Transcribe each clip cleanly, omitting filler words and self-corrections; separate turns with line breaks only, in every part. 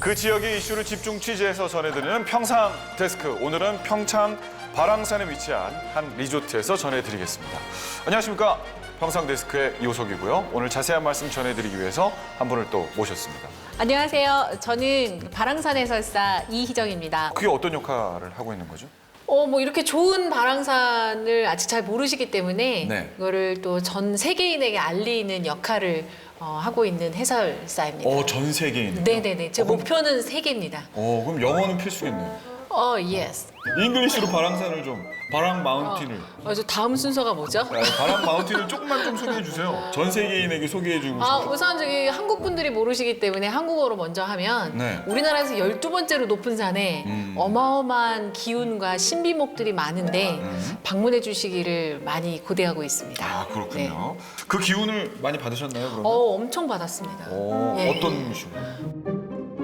그 지역의 이슈를 집중 취재해서 전해드리는 평상 데스크. 오늘은 평창 발왕산에 위치한 한 리조트에서 전해드리겠습니다. 안녕하십니까. 평상 데스크의 이호석이고요. 오늘 자세한 말씀 전해드리기 위해서 한 분을 또 모셨습니다.
안녕하세요. 저는 발왕산 해설사 이희정입니다.
그게 어떤 역할을 하고 있는 거죠?
뭐 이렇게 좋은 발왕산을 아직 잘 모르시기 때문에
네.
이거를 또 전 세계인에게 알리는 역할을 하고 있는 해설사입니다.
전 세계인.
네네네. 제 목표는 세계입니다.
그럼 영어는 필수겠네요.
예스.
잉글리시로 발왕산을 좀, 발왕 마운틴을.
저 다음 순서가 뭐죠?
발왕 마운틴을 조금만 좀 소개해 주세요. 전 세계인에게 소개해주고 싶어요.
우선 저기 한국 분들이 모르시기 때문에 한국어로 먼저 하면
네.
우리나라에서 12번째로 높은 산에 어마어마한 기운과 신비목들이 많은데 방문해 주시기를 많이 고대하고 있습니다.
그렇군요. 그 기운을 많이 받으셨나요, 그러면?
엄청 받았습니다. 예.
어떤 식으로?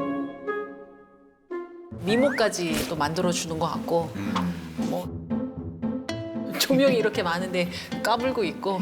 미모까지 또 만들어주는 것 같고 뭐 조명이 이렇게 많은데 까불고 있고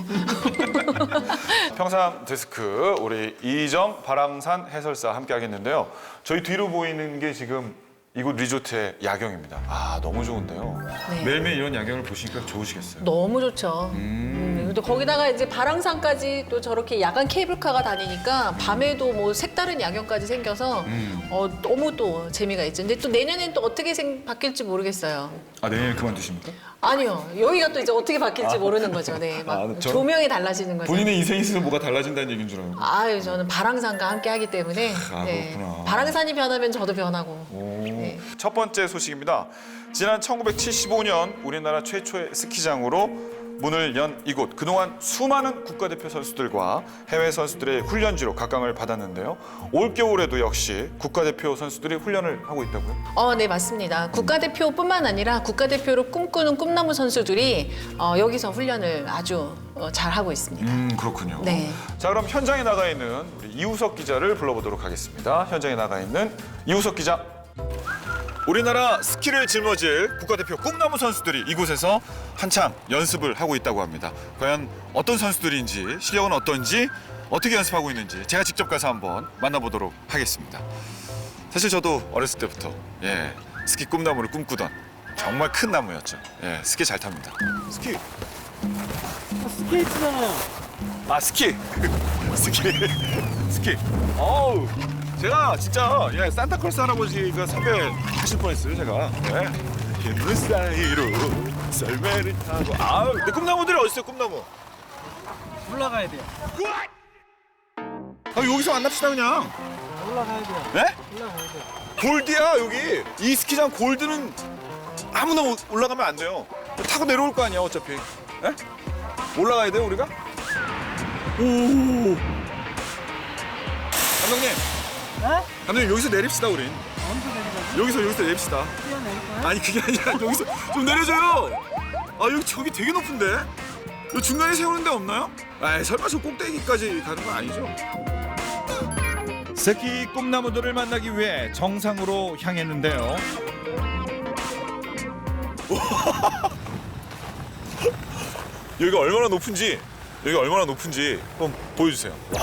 평상 데스크 우리 이희정 발왕산 해설사 함께 하겠는데요. 저희 뒤로 보이는 게 지금 이곳 리조트의 야경입니다. 너무 좋은데요.
네.
매일매일 이런 야경을 보시니까 좋으시겠어요.
너무 좋죠. 또 거기다가 이제 발왕산까지 또 저렇게 야간 케이블카가 다니니까 밤에도 뭐 색다른 야경까지 생겨서 너무 또 재미가 있죠. 근데 또 내년엔 또 어떻게 바뀔지 모르겠어요.
내일 그만두십니까?
아니요. 여기가 또 이제 어떻게 바뀔지 모르는 거죠. 네. 막 조명이 달라지는 거죠.
본인의 인생에 있어서 뭐가 달라진다는 얘기인 줄 알고.
저는 발왕산과 함께 하기 때문에
그렇구나.
발왕산이 변하면 저도 변하고. 네.
첫 번째 소식입니다. 지난 1975년 우리나라 최초의 스키장으로 문을 연 이곳. 그동안 수많은 국가대표 선수들과 해외 선수들의 훈련지로 각광을 받았는데요. 올겨울에도 역시 국가대표 선수들이 훈련을 하고 있다고요?
네, 맞습니다. 국가대표뿐만 아니라 국가대표로 꿈꾸는 꿈나무 선수들이 여기서 훈련을 아주 잘하고 있습니다.
그렇군요.
네.
자, 그럼 현장에 나가 있는 우리 이우석 기자를 불러보도록 하겠습니다. 현장에 나가 있는 이우석 기자. 우리나라 스키를 짊어질 국가대표 꿈나무 선수들이 이곳에서 한참 연습을 하고 있다고 합니다. 과연 어떤 선수들인지, 실력은 어떤지, 어떻게 연습하고 있는지 제가 직접 가서 한번 만나보도록 하겠습니다. 사실 저도 어렸을 때부터 스키 꿈나무를 꿈꾸던 정말 큰 나무였죠. 스키 잘 탑니다. 스키.
스케이트잖아요.
스키. 스키. 어우. 제가 진짜 산타클로스 할아버지가 섭외하실 뻔했어요, 제가. 흰물 사이로 썰매를 타고. 근데 꿈나무들이 어딨어요, 꿈나무?
올라가야 돼요.
여기서 만납시다, 그냥.
올라가야 돼요.
네?
올라가야 돼요.
골드야, 여기. 이 스키장 골드는 아무나 올라가면 안 돼요. 타고 내려올 거 아니야, 어차피. 네? 올라가야 돼요, 우리가? 오. 감독님.
네?
감독님, 여기서 내립시다, 우린.
어디서 내리자고?
여기서 내립시다.
뛰어내릴까요?
아니, 그게 아니라 여기서 좀 내려줘요. 저기 되게 높은데? 여기 중간에 세우는 데 없나요? 설마 저 꼭대기까지 가는 건 아니죠?
스키 꿈나무들을 만나기 위해 정상으로 향했는데요.
여기가 얼마나 높은지 한번 보여주세요. 와,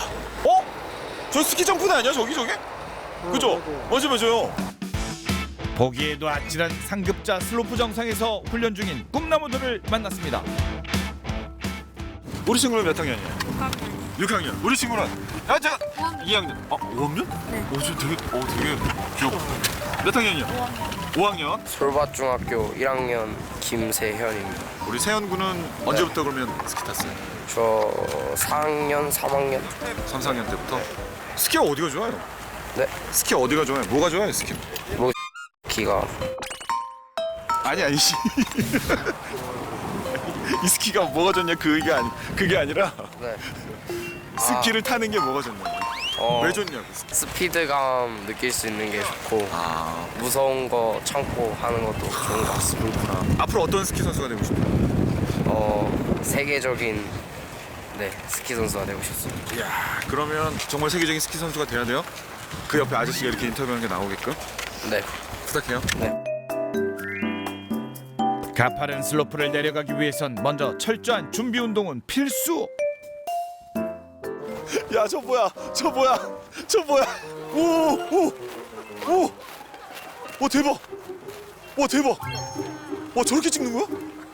저 스키 점프대 아니야? 저기? 그죠? 맞아요.
보기에도 아찔한 상급자 슬로프 정상에서 훈련 중인 꿈나무들을 만났습니다.
우리 친구는 몇 학년이에요? 6학년. 우리 친구는? 제가 2학년. 5학년? 네. 되게 귀엽고. 몇 학년이요? 5학년.
솔밭중학교 1학년 김세현입니다.
우리 세현 군은 언제부터 그러면 스키 탔어요?
저 4학년, 3학년.
3, 4학년 때부터? 스키가 어디가 좋아요?
네,
스키 어디가 좋아요? 뭐가 좋아요, 스키?
기가
아니. 이 스키가 뭐가 좋냐 그게 아니라
네.
스키를 타는 게 뭐가 좋냐고. 왜 좋냐고.
스피드감 느낄 수 있는 게 좋고 무서운 거 참고 하는 것도 좋은 것 같습니다.
앞으로 어떤 스키 선수가 되고 싶어요?
세계적인 스키 선수가 되고 싶습니다.
이야, 그러면 정말 세계적인 스키 선수가 돼야 돼요? 그 옆에 아저씨가 이렇게 인터뷰하는 게 나오게끔?
네.
부탁해요.
네.
가파른 슬로프를 내려가기 위해선 먼저 철저한 준비 운동은 필수.
야, 저 뭐야? 오, 대박. 와, 대박. 와, 저렇게 찍는 거야?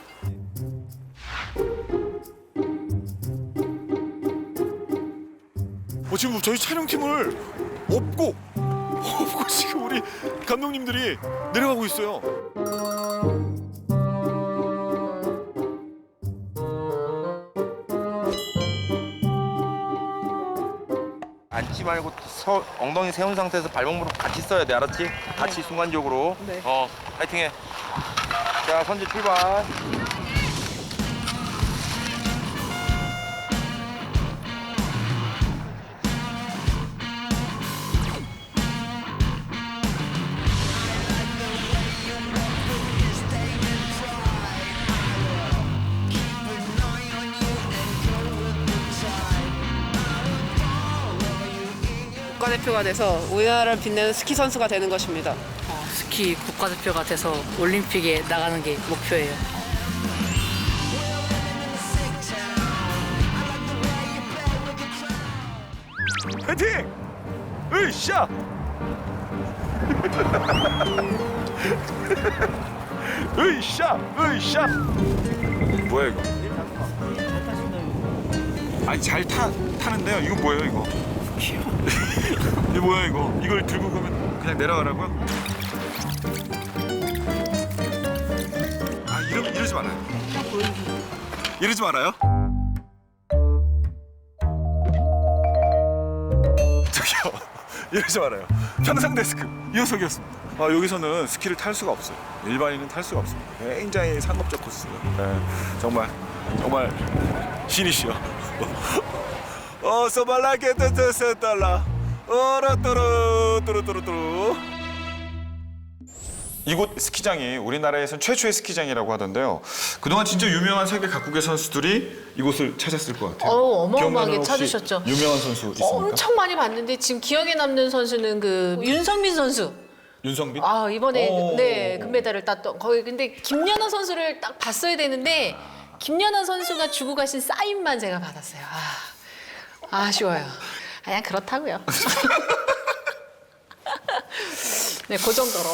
지금 저희 촬영팀을 업고 지금 우리 감독님들이 내려가고 있어요.
앉지 말고 엉덩이 세운 상태에서 발목무릎 같이 써야 돼, 알았지? 같이 순간적으로.
네.
파이팅해. 자, 선제 출발.
국가대표가 돼서 우리나라를 빛내는 스키 선수가 되는 것입니다.
스키 국가대표가 돼서 올림픽에 나가는 게 목표예요.
파이팅! 으쌰! 으쌰! 뭐야 이거? 아니 잘 타는데요. 이거 뭐예요 이거? 이게 뭐야 이거? 이걸 들고 가면 그냥 내려가라고요? 아 이러지 말아요. 이러지 말아요. 저기요. 이러지 말아요. 평상 데스크 이호석이었습니다. 여기서는 스키를 탈 수가 없어요. 일반인은 탈 수가 없습니다. 굉장히 상업적 코스. 네, 정말 신이시여. 소발라게 뜨뜨뜨달라. 뚜루뚜루뚜루뚜루. 이곳 스키장이 우리나라에선 최초의 스키장이라고 하던데요. 그동안 진짜 유명한 세계 각국의 선수들이 이곳을 찾았을 것 같아요.
어마어마하게
기억나는 혹시
찾으셨죠.
유명한 선수 있습니까?
엄청 많이 봤는데 지금 기억에 남는 선수는 그 윤성민 선수.
윤성빈?
이번에
오.
네 금메달을 땄던 거기. 근데 김연아 선수를 딱 봤어야 되는데 김연아 선수가 주고 가신 사인만 제가 받았어요. 아쉬워요. 그냥 그렇다고요. 네, 그 정도로.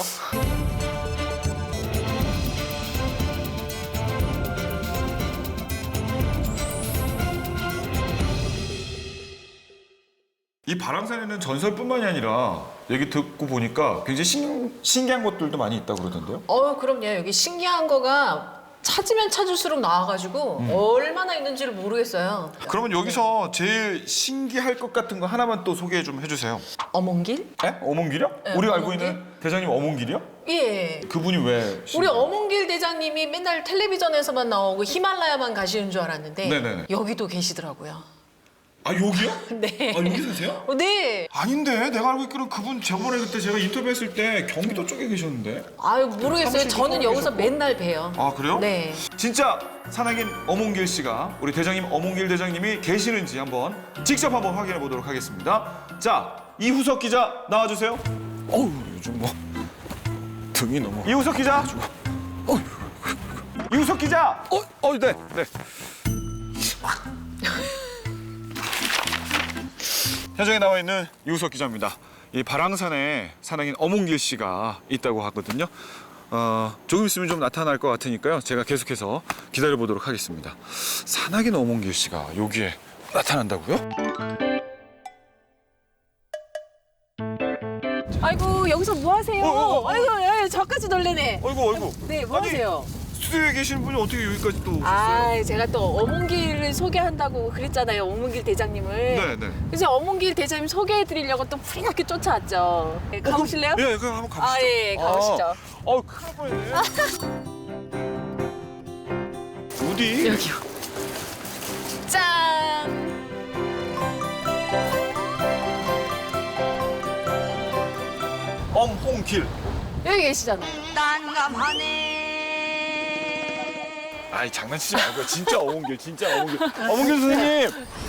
이 바람산에는 전설뿐만이 아니라 얘기 듣고 보니까 굉장히 신기한 것들도 많이 있다고 그러던데요?
그럼요. 여기 신기한 거가 찾으면 찾을수록 나와가지고 얼마나 있는지를 모르겠어요.
그러면 여기서 제일 신기할 것 같은 거 하나만 또 소개 좀 해주세요.
어몽길?
에? 어몽길이요?
네,
우리가 알고
어몽길?
있는 대장님 어몽길이요?
예.
그분이 왜
우리
신기해요?
어몽길 대장님이 맨날 텔레비전에서만 나오고 히말라야만 가시는 줄 알았는데
네네네.
여기도 계시더라고요.
아 여기요?
네.
여기 사세요?
네.
아닌데 내가 알고 있기로는 그분 저번에 그때 제가 인터뷰했을 때 경기도 쪽에 계셨는데.
모르겠어요.
사무실도
저는
거기
여기서
계셨고.
맨날 봬요.
아 그래요?
네.
진짜 산악인 어몽길 씨가 우리 대장님 어몽길 대장님이 계시는지 한번 직접 한번 확인해 보도록 하겠습니다. 자 이후석 기자 나와주세요. 요즘 뭐 등이 너무. 이후석 기자. 이후석 기자. 네. 현장에 나와 있는 이우석 기자입니다. 이 바랑산에 산악인 어몽길 씨가 있다고 하거든요. 조금 있으면 좀 나타날 것 같으니까요. 제가 계속해서 기다려 보도록 하겠습니다. 산악인 어몽길 씨가 여기에 나타난다고요?
아이고 여기서 뭐 하세요? 아이고 저까지 놀래네.
아이고.
네, 뭐
아니,
하세요?
스튜디오에 계시는 분이 어떻게 여기까지 또 오셨어요?
제가 또 어몽길을 소개한다고 그랬잖아요. 어몽길 대장님을.
네.
그래서 어몽길 대장님 소개해드리려고 또 후리렇게 쫓아왔죠. 네, 가보실래요?
예, 그럼 한번 가보시죠.
예, 가보시죠.
큰일 뻔했네. 어디?
여기요. 짠!
엄홍길.
여기 계시잖아요.
아이 장난치지 말고 진짜 어몽길. 어몽길 선생님.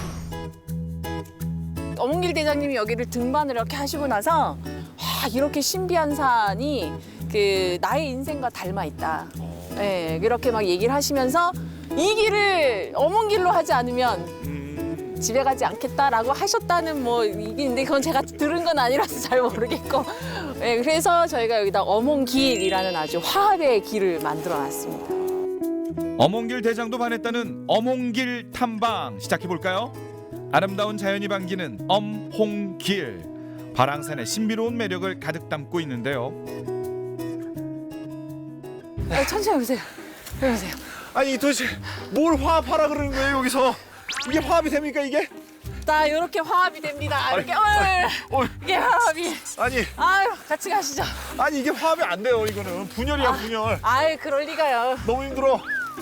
어몽길 대장님이 여기를 등반을 이렇게 하시고 나서 이렇게 신비한 산이 그 나의 인생과 닮아 있다. 이렇게 막 얘기를 하시면서 이 길을 어몽길로 하지 않으면 집에 가지 않겠다라고 하셨다는 뭐 이게 있는데 그건 제가 들은 건 아니라서 잘 모르겠고 네, 그래서 저희가 여기다 어몽길이라는 아주 화합의 길을 만들어놨습니다.
어몽길 대장도 반했다는 어몽길 탐방 시작해볼까요? 아름다운 자연이 반기는 엄홍길. 발왕산의 신비로운 매력을 가득 담고 있는데요.
천천히 오세요. 오세요.
아니 도대체 뭘 화합하라 그러는 거예요 여기서? 이게 화합이 됩니까 이게?
자, 이렇게 화합이 됩니다. 이렇게 이게 화합이.
아니
아유, 같이 가시죠.
아니 이게 화합이 안 돼요 이거는 분열이야 분열.
아유, 그럴 리가요.
너무 힘들어.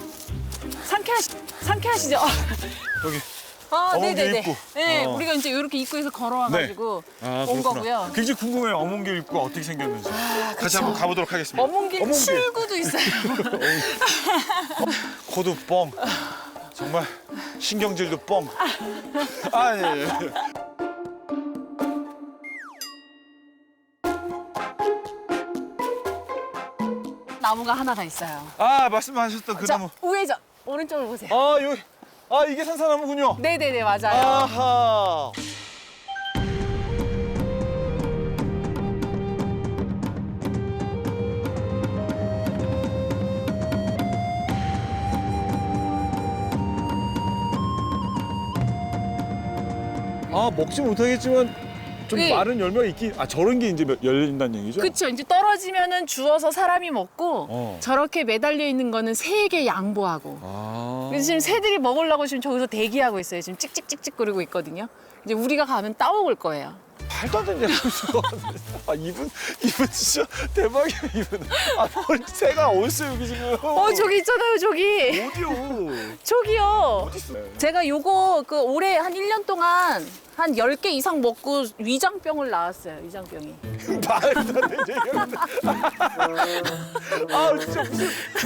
상쾌하시죠?
여기
네네네.
어몽길 입구.
네,
어.
우리가 이제 이렇게 입구에서 걸어와가지고 온 거고요.
굉장히 궁금해요 어몽길 입구가 어떻게 생겼는지. 같이 한번 가보도록 하겠습니다.
어몽길 출구도 있어요.
코도 뻥. 정말 신경질도 뻥. 아 예.
나무가 하나가 있어요.
아 말씀하셨던 그
자,
나무.
우회전. 오른쪽을 보세요.
아 여기. 아 이게 산사나무군요.
네네네, 맞아요.
아하. 아 먹지 못하겠지만 좀
네.
마른 열매가 있긴. 아 저런 게 이제 열린다는 얘기죠?
그쵸. 이제 떨어지면은 주워서 사람이 먹고
어.
저렇게 매달려 있는 거는 새에게 양보하고.
아.
그래서 지금 새들이 먹으려고 지금 저기서 대기하고 있어요. 지금 찍찍찍찍거리고 있거든요. 이제 우리가 가면 따먹을 거예요.
말도 안 되는 얘기죠. 아 이분 진짜 대박이야 이분. 아 새가 어딨어 여기 지금.
저기 있잖아요, 저기.
어디요?
저기요.
어딨어?
제가 요거 그 올해 한 1년 동안 한 10개 이상 먹고 위장병을 낳았어요. 위장병이.
말도 안 되는 얘기하는데. 아 진짜 무슨.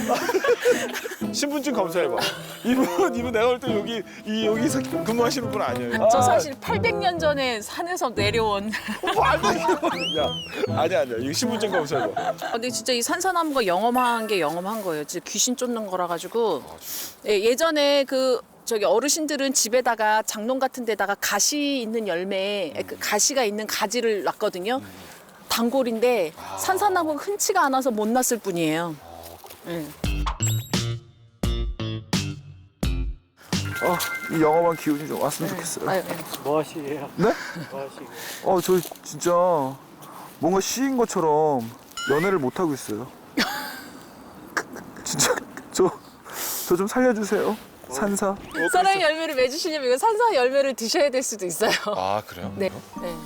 신분증 검사해봐. 이분 내가 볼 때 여기서 근무하시는 분 아니에요.
저 사실 800년 전에 산에서 내려온.
말도 안 돼. 아니야. 이거 신분증 검사해봐.
근데 진짜 이 산사나무가 영험한 게 영험한 거예요. 진짜 귀신 쫓는 거라 가지고. 예, 예전에 그 저기 어르신들은 집에다가 장롱 같은 데다가 가시 있는 열매, 그 가시가 있는 가지를 놨거든요. 단골인데 산사나무가 흔치가 않아서 못 놨을 뿐이에요. 예.
이 영험한 기운이 좀 왔으면 좋겠어요.
아유,
뭐 하시게요?
네?
뭐 하시게요?
저 진짜 뭔가 시인 것처럼 연애를 못 하고 있어요. 진짜 저 좀 살려주세요. 산사.
사랑의 열매를 맺으시려면 이거 산사 열매를 드셔야 될 수도 있어요.
아 그래요?
네. 네.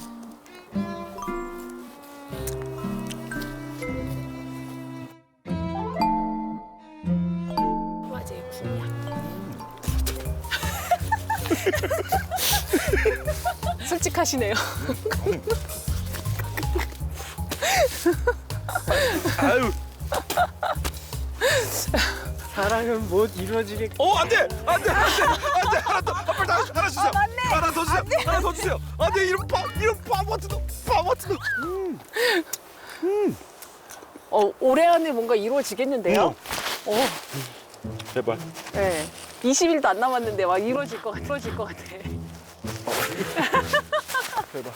맞아요, 군약. 솔직하시네요.
아유.
사랑은 못 이루어지게.
안돼. 하나 더. 하나 주세요. 하나 더 주세요. 하나 더 주세요. 안돼 이런 바보 같은 놈.
올해 안에 뭔가 이루어지겠는데요?
제발.
네. 20일도 안 남았는데 막 이루어질 것 같아.
대박.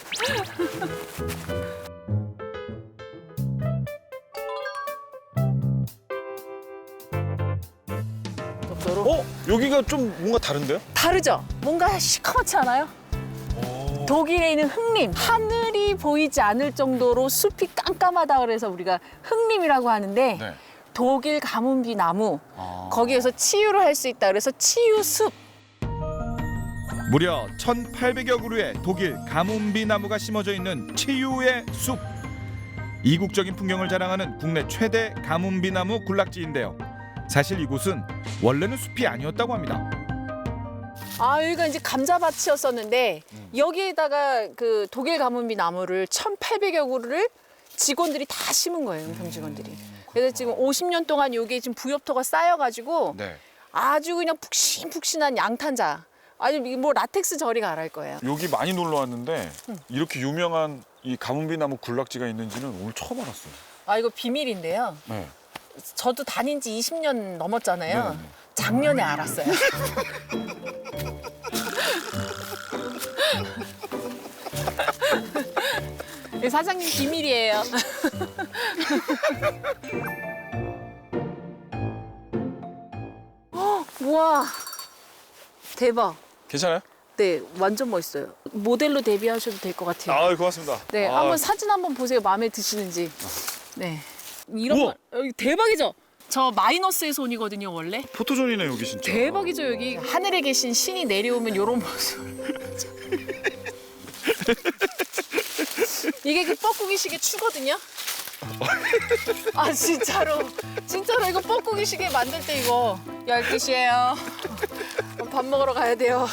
여기가 좀 뭔가 다른데요?
다르죠? 뭔가 시커멓지 않아요? 독일에 있는 흑림. 하늘이 보이지 않을 정도로 숲이 깜깜하다 그래서 우리가 흑림이라고 하는데
네.
독일 가문비 나무 거기에서 치유를 할 수 있다 그래서 치유숲.
무려 1,800여 그루의 독일 가뭄비 나무가 심어져 있는 치유의 숲. 이국적인 풍경을 자랑하는 국내 최대 가뭄비 나무 군락지인데요. 사실 이곳은 원래는 숲이 아니었다고 합니다.
여기가 이제 감자밭이었었는데 여기에다가 그 독일 가문비 나무를 1,800여 그루를 직원들이 다 심은 거예요, 은평 직원들이. 그래서 지금 50년 동안 여기에 지금 부엽토가 쌓여가지고
네.
아주 그냥 푹신푹신한 양탄자. 아주 뭐 라텍스 저리 가랄 거예요.
여기 많이 놀러 왔는데 이렇게 유명한 이 가문비 나무 군락지가 있는지는 오늘 처음 알았어요.
이거 비밀인데요.
네.
저도 다닌 지 20년 넘었잖아요.
네.
작년에 알았어요. 사장님 비밀이에요. 와 대박.
괜찮아요?
네 완전 멋있어요. 모델로 데뷔하셔도 될 것 같아요.
아, 고맙습니다.
네,
아,
한번 사진 한번 보세요. 마음에 드시는지. 네. 이런
우와.
거 대박이죠? 저 마이너스의 손이거든요, 원래.
포토존이네 여기 진짜.
대박이죠, 여기. 하늘에 계신 신이 내려오면 이런 모습. 이게 그 뻐꾸기 시계 추거든요. 아, 진짜로. 진짜로 이거 뻐꾸기 시계 만들 때 이거 12시에요. 밥 먹으러 가야 돼요.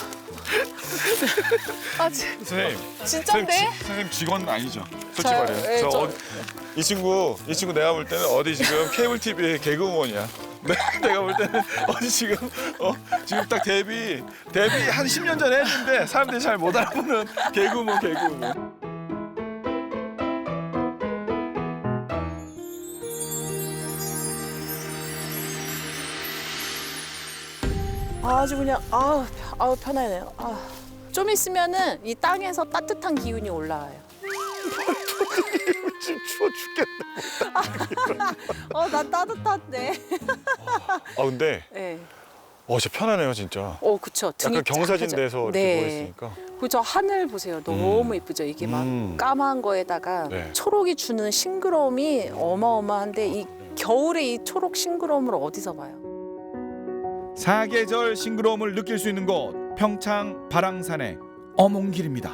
아,
선생님.
진짠데?
선생님 직원 아니죠? 솔직히
저요?
말해요.
네,
이 친구 내가 볼 때는 어디 지금 케이블 TV의 개그우먼이야. 내가 볼 때는 어디 지금 딱 데뷔 한 10년 전에 했는데 사람들이 잘 못 알아보는 개그우먼.
아주 그냥 아우 편하네요. 좀 있으면은 이 땅에서 따뜻한 기운이 올라와요.
지금 추워 죽겠다.
나 따뜻한데.
아 근데
네.
진짜 편하네요 진짜.
그쵸. 등이
약간 경사진데서
쫙
이렇게
펴져.
누워 있으니까.
그저 하늘 보세요. 너무 이쁘죠. 이게 막 까만 거에다가
네.
초록이 주는 싱그러움이 어마어마한데 이 겨울에 이 초록 싱그러움을 어디서 봐요?
사계절 싱그러움을 느낄 수 있는 곳 평창 발왕산의 어몽길입니다.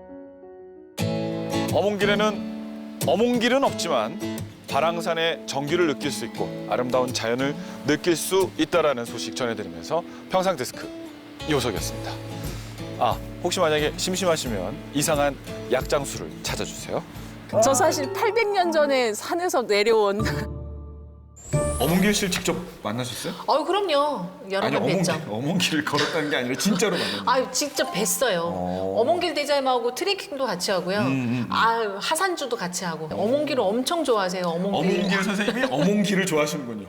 어몽길은 없지만 발왕산의 정기를 느낄 수 있고 아름다운 자연을 느낄 수 있다라는 소식 전해드리면서 평상 데스크 이호석이었습니다. 혹시 만약에 심심하시면 이상한 약장수를 찾아주세요.
저 사실 800년 전에 산에서 내려온
어몽길 씨를 직접 만나셨어요?
그럼요. 여러 번 뵀죠.
어몽길을 걸었다는 게 아니라 진짜로 만났어요.
직접 뵀어요. 어몽길 대자임하고 트레킹도 같이 하고요. 하산주도 같이 하고. 어몽길을 엄청 좋아하세요.
어몽길 선생님이 어몽길을 좋아하시는군요.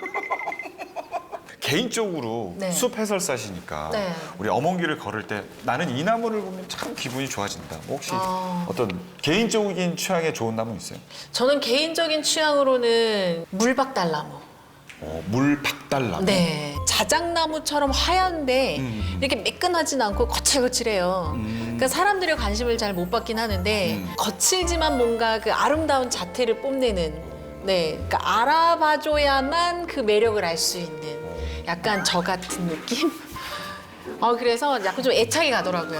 개인적으로
네.
숲 해설사시니까
네.
우리 어몽길을 걸을 때 나는 이 나무를 보면 참 기분이 좋아진다. 혹시 어떤 개인적인 취향에 좋은 나무 있어요?
저는 개인적인 취향으로는 물박달나무.
물박달나무.
네. 자작나무처럼 하얀데 이렇게 매끈하진 않고 거칠거칠해요. 그러니까 사람들의 관심을 잘 못 받긴 하는데 거칠지만 뭔가 그 아름다운 자태를 뽐내는 그러니까 알아봐줘야만 그 매력을 알 수 있는 약간 저 같은 느낌? 그래서 약간 좀 애착이 가더라고요.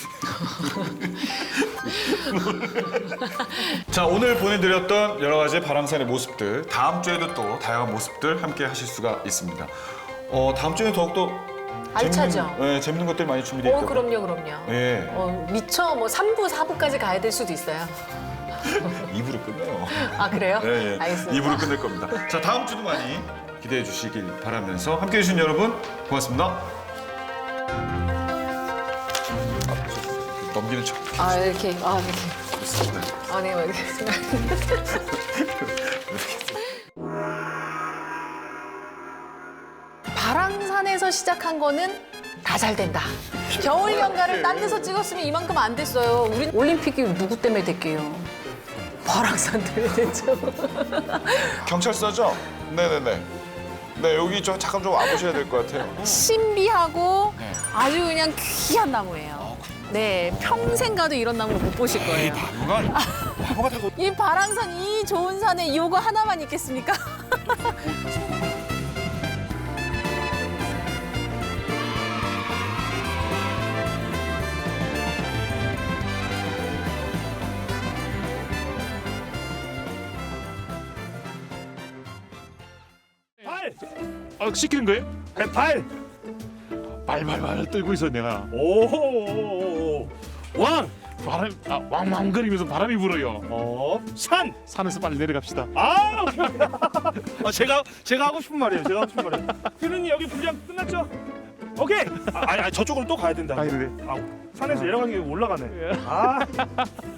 자, 오늘 보내드렸던 여러 가지 발왕산의 모습들, 다음 주에도 또 다양한 모습들 함께 하실 수가 있습니다. 다음 주에 더욱더
알차죠?
재밌는 것들 많이 준비되어 있다고.
그럼요.
예.
미처 3부, 4부까지 가야 될 수도 있어요.
2부로 끝내요.
그래요?
네,
알겠습니다.
2부로 끝낼 겁니다. 자, 다음 주도 많이 기대해 주시길 바라면서 함께 해주신 여러분 고맙습니다. 넘기는 척.
이렇게.
네.
네, 알겠습니다. 발왕산에서 시작한 거는 다 잘 된다. 겨울 연가를 딴 데서 찍었으면 이만큼 안 됐어요. 우리 올림픽이 누구 때문에 됐게요? 발왕산 때문에 됐죠.
경찰서죠? 네네네. 네, 여기 좀 잠깐 좀 와보셔야 될 것 같아요.
신비하고 아주 그냥 귀한 나무예요. 네, 평생 가도 이런 나무를 못 보실 거예요.
나무가 다
이 발왕산 이 좋은 산에 이거 하나만 있겠습니까?
시키는 거예요? 발! 발 떨고 있어 내가. 오호호호. 왕! 왕왕거리면서 바람이 불어요. 산에서 빨리 내려갑시다.
제가 하고 싶은 말이에요. 피디님 여기 분량 끝났죠? 오케이. 저쪽으로 또 가야 된다.
가야 돼.
산에서 내려가는 게 올라가네.